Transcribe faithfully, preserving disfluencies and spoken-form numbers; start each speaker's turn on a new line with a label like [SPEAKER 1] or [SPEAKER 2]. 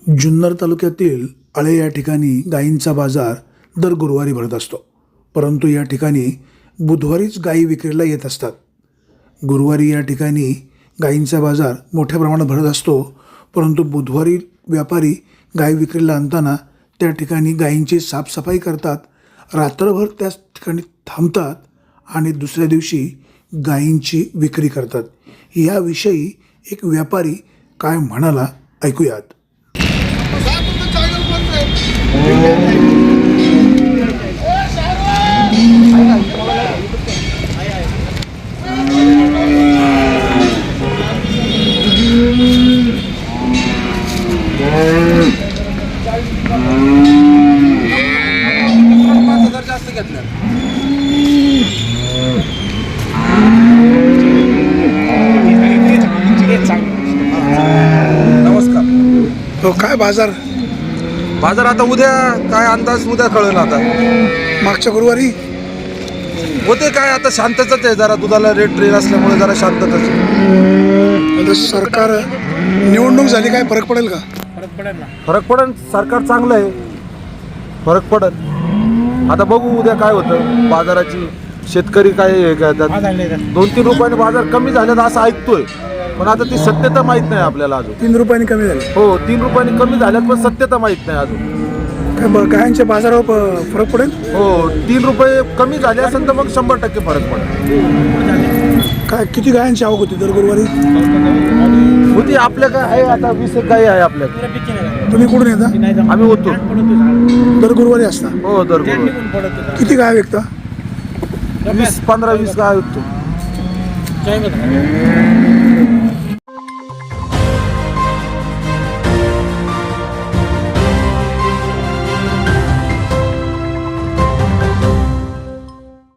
[SPEAKER 1] जुन्नर तालुक्यातील आळे या ठिकाणी गायींचा बाजार दर गुरुवारी भरत असतो, परंतु या ठिकाणी बुधवारीच गायी विक्रीला येत असतात. गुरुवारी या ठिकाणी गायींचा बाजार मोठ्या प्रमाणात भरत असतो, परंतु बुधवारी व्यापारी गाय विक्रीला आणताना त्या ठिकाणी गायींची साफसफाई करतात, रात्रभर त्याच ठिकाणी थांबतात आणि दुसऱ्या दिवशी गायींची विक्री करतात. याविषयी एक व्यापारी काय म्हणाला ऐकूयात.
[SPEAKER 2] जास्त घेतलं. नमस्कार.
[SPEAKER 1] तो काय बाजार
[SPEAKER 2] बाजार आता उद्या काय अंदाज उद्या कळेल. आता
[SPEAKER 1] मागच्या गुरुवारी
[SPEAKER 2] होते काय आता शांतताच आहे, जरा दुधाला रेट ट्रेन असल्यामुळे जरा शांतताच आहे.
[SPEAKER 1] आता सरकार निवडणूक झाली, काय फरक पडेल का?
[SPEAKER 2] फरक पडेल, सरकार चांगलं आहे, फरक पडेल. आता बघू उद्या काय होतं. बाजाराची शेतकरी काय हे करतात, दोन तीन रुपयाने बाजार कमी झाल्यात असं ऐकतोय, पण आता ती सत्यता माहीत नाही आपल्याला अजून.
[SPEAKER 1] तीन रुपयांनी कमी झाले.
[SPEAKER 2] हो, तीन रुपयांनी कमी झाल्यात, पण सत्यता माहीत नाही अजून.
[SPEAKER 1] काय ब- गायांच्या बाजारावर प- फरक पडेल?
[SPEAKER 2] हो, तीन रुपये कमी झाले असेल तर मग शंभर टक्के फरक पडेल.
[SPEAKER 1] काय किती गायांची आवक होती दर गुरुवारी?
[SPEAKER 2] होती आपल्या काय आहे आता वीस एक गाई आहे आपल्याकडे.
[SPEAKER 1] तुम्ही कुठून येता?
[SPEAKER 2] आम्ही होतो.
[SPEAKER 1] दर गुरुवारी असता.
[SPEAKER 2] हो, दर
[SPEAKER 1] किती गाय विकता?
[SPEAKER 2] वीस पंधरा वीस गाय होतो.